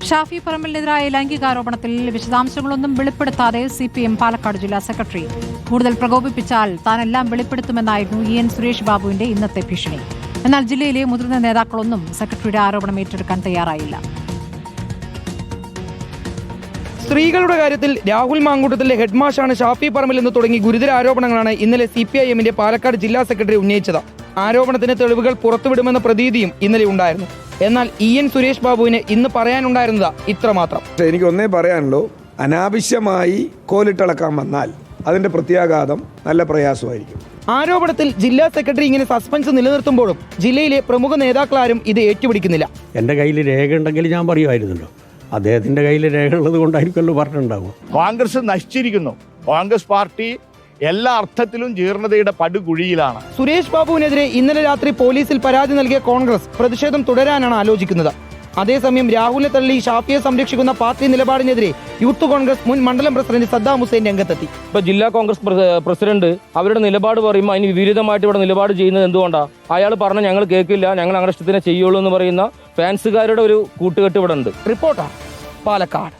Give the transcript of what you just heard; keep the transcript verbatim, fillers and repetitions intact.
ഷാഫി പറമ്പലിനെതിരായ ലൈംഗികാരോപണത്തിൽ വിശദാംശങ്ങളൊന്നും വെളിപ്പെടുത്താതെ സി പി എം പാലക്കാട് ജില്ലാ സെക്രട്ടറി. കൂടുതൽ പ്രകോപിപ്പിച്ചാൽ താനെല്ലാം വെളിപ്പെടുത്തുമെന്നായിരുന്നു ഇ എൻ സുരേഷ് ബാബുവിന്റെ ഇന്നത്തെ ഭീഷണി. എന്നാൽ ജില്ലയിലെ മുതിർന്ന നേതാക്കളൊന്നും സെക്രട്ടറിയുടെ ആരോപണം ഏറ്റെടുക്കാൻ തയ്യാറായില്ല. സ്ത്രീകളുടെ കാര്യത്തിൽ രാഹുൽ മാങ്കൂട്ടത്തിലെ ഹെഡ്മാഷാണ് ഷാഫി പറമ്പിൽ എന്ന് തുടങ്ങി ഗുരുതര ആരോപണങ്ങളാണ് ഇന്നലെ സി പി ഐ എമ്മിന്റെ പാലക്കാട് ജില്ലാ സെക്രട്ടറി ഉന്നയിച്ചത്. ആരോപണത്തിന് തെളിവുകൾ പുറത്തുവിടുമെന്ന പ്രതീതിയും ഇന്നലെ ഉണ്ടായിരുന്നു. എന്നാൽ ഇ എൻ സുരേഷ് ബാബുവിന് ഇന്ന് പറയാനുണ്ടായിരുന്നത് ഇത്രമാത്രം. എനിക്ക് ഒന്നേ പറയാനുള്ളൂ, അനാവശ്യമായി കോലിട്ടിളക്കാൻ വന്നാൽ അതിന്റെ പ്രത്യാഘാതം നല്ല പ്രയാസമായിരിക്കും. ആരോപണത്തിൽ ജില്ലാ സെക്രട്ടറി ഇങ്ങനെ സസ്പെൻസ് നിലനിർത്തുമ്പോഴും ജില്ലയിലെ പ്രമുഖ നേതാക്കളാരും ഇത് ഏറ്റുപിടിക്കുന്നില്ല. എൻ്റെ കയ്യിൽ രേഖ ഉണ്ടെങ്കിൽ ഞാൻ പറയുമായിരുന്നല്ലോ, അദ്ദേഹത്തിന്റെ കയ്യിൽ രേഖ ഉള്ളത് കൊണ്ടായിരിക്കുമല്ലോ പറഞ്ഞിട്ടുണ്ടാവും. കോൺഗ്രസ് നശിച്ചിരിക്കുന്നു. കോൺഗ്രസ് പാർട്ടി എല്ലാ അർത്ഥത്തിലും ജീർണതയുടെ പടുകുഴിയിലാണ്. സുരേഷ് ബാബുവിനെതിരെ ഇന്നലെ രാത്രി പോലീസിൽ പരാതി നൽകിയ കോൺഗ്രസ് പ്രതിഷേധം തുടരാനാണ് ആലോചിക്കുന്നത്. അതേസമയം രാഹുലിനെ തള്ളി ഷാഫിയെ സംരക്ഷിക്കുന്ന പാർട്ടി നിലപാടിനെതിരെ യൂത്ത് കോൺഗ്രസ് മുൻ മണ്ഡലം പ്രസിഡന്റ് സദ്ദാം ഹുസൈൻ രംഗത്തെത്തി. ഇപ്പൊ ജില്ലാ കോൺഗ്രസ് പ്രസിഡന്റ് അവരുടെ നിലപാട് പറയുമ്പോൾ അതിന് വിപരീതമായിട്ട് ഇവിടെ നിലപാട് ചെയ്യുന്നത് എന്തുകൊണ്ടാണ്? അയാൾ പറഞ്ഞ ഞങ്ങൾ കേൾക്കില്ല, ഞങ്ങൾ അങ്ങനെ ഇഷ്ടത്തിനെ ചെയ്യുള്ളൂ എന്ന് പറയുന്ന ഫാൻസുകാരുടെ ഒരു കൂട്ടുകെട്ട് ഇവിടെ ഉണ്ട്. റിപ്പോർട്ടർ പാലക്കാട്.